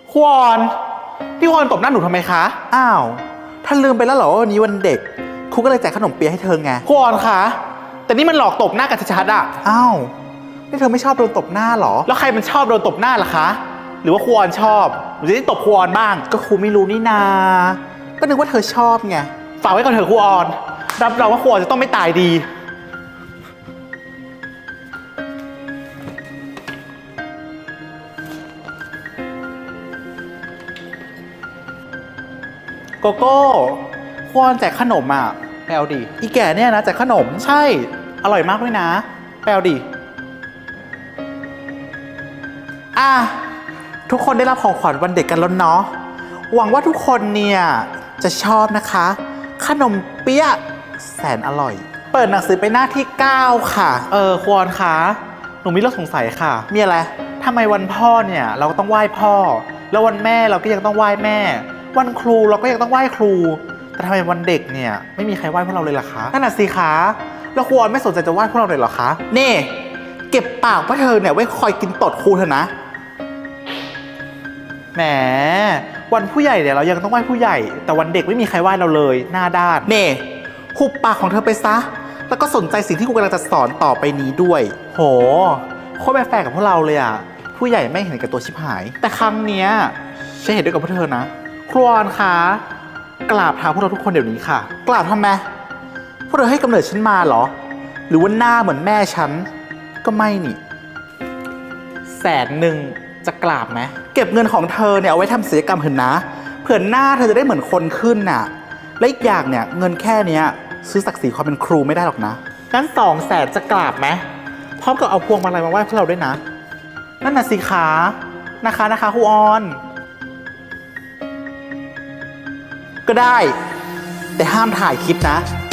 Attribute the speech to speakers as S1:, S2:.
S1: ควอนพี่ควอนตบหน้าหนูทำไมคะ
S2: อ้าวท่านลืมไปแล้วเหรอว่าวันนี้วันเด็กครูก็เลยแจกขนมเปี๊ยะให้เธอไง
S1: ควอนคะแต่นี่มันหลอกตบหน้ากันชัดๆอะ
S2: อ้าวนี่เธอไม่ชอบโดนตบหน้าเหรอ
S1: แล้วใครมันชอบโดนตบหน้าล่ะคะหรือว่าควอนชอบหนูจะได้ตบควอนบ้าง
S2: ก็ครูไม่รู้นี่นาก็นึกว่าเธอชอบไง
S1: ฝากไว้ก่อนเถอะควอนรับรองว่าควอนจะต้องไม่ตายดีโกโก้ควอนแจกขนมอ่ะไปเอาดิ
S2: อีแก่เนี่ยนะแจกขนม
S1: ใช่อร่อยมากด้วยนะไปเอาดิ
S2: ทุกคนได้รับของขวัญวันเด็กกันแล้วเนาะหวังว่าทุกคนเนี่ยจะชอบนะคะขนมเปี๊ยะแสนอร่อย
S1: เปิดหนังสือไปหน้าที่9ค่ะควอนคะหนูมีเรื่องสงสัยค่ะ
S2: มีอะไร
S1: ทำไมวันพ่อเนี่ยเราก็ต้องไหว้พ่อแล้ววันแม่เราก็ยังต้องไหว้แม่วันครูเราก็ยังต้องไหว้ครูแต่ทำไมวันเด็กเนี่ยไม่มีใครไหว้พวกเราเลยล่ะคะ
S2: นั่นน่ะสิคะแล้วควรไม่สนใจจะไหว้พวกเราเลยเหรอคะนี่เก็บปากว่าเธอเนี่ยไว้คอยกินตดครูเถอะนะ
S1: แหมวันผู้ใหญ่เนี่ยเรายังต้องไหว้ผู้ใหญ่แต่วันเด็กไม่มีใครไหว้เราเลยหน้าด้าน
S2: นี่หุบปากของเธอไปซะแล้วก็สนใจสิ่งที่ครูกำลังจะสอนต่อไปนี้ด้วย
S1: โหโคตรแฟร์กับพวกเราเลยอ่ะผู้ใหญ่ไม่เห็นกับตัวชิบหายแต่ครั้งเนี้ยฉันเห็นด้วยกับพวกเธอนะครูออนคะกราบเท้าพวกเราทุกคนเดี๋ยวนี้ค่ะ
S2: กราบทำไมพวกเธอให้กำเนิดฉันมาเหรอหรือว่าหน้าเหมือนแม่ฉันก็ไม่นี่
S1: 100,000จะกราบไหม
S2: เก็บเงินของเธอเนี่ยเอาไว้ทำศัลยกรรมเถอะนะเผื่อหน้าเธอจะได้เหมือนคนขึ้นน่ะและอีกอย่างเนี่ยเงินแค่เนี้ยซื้อศักดิ์ศรีความเป็นครูไม่ได้หรอกนะ
S1: งั้น200,000จะกราบไหมพร้อมกับเอาพวงมาลัยมาไหว้พวกเราด้วยนะนั่นน่ะสิคะนะคะครูออน
S2: ก็ได้แต่ห้ามถ่ายคลิปนะ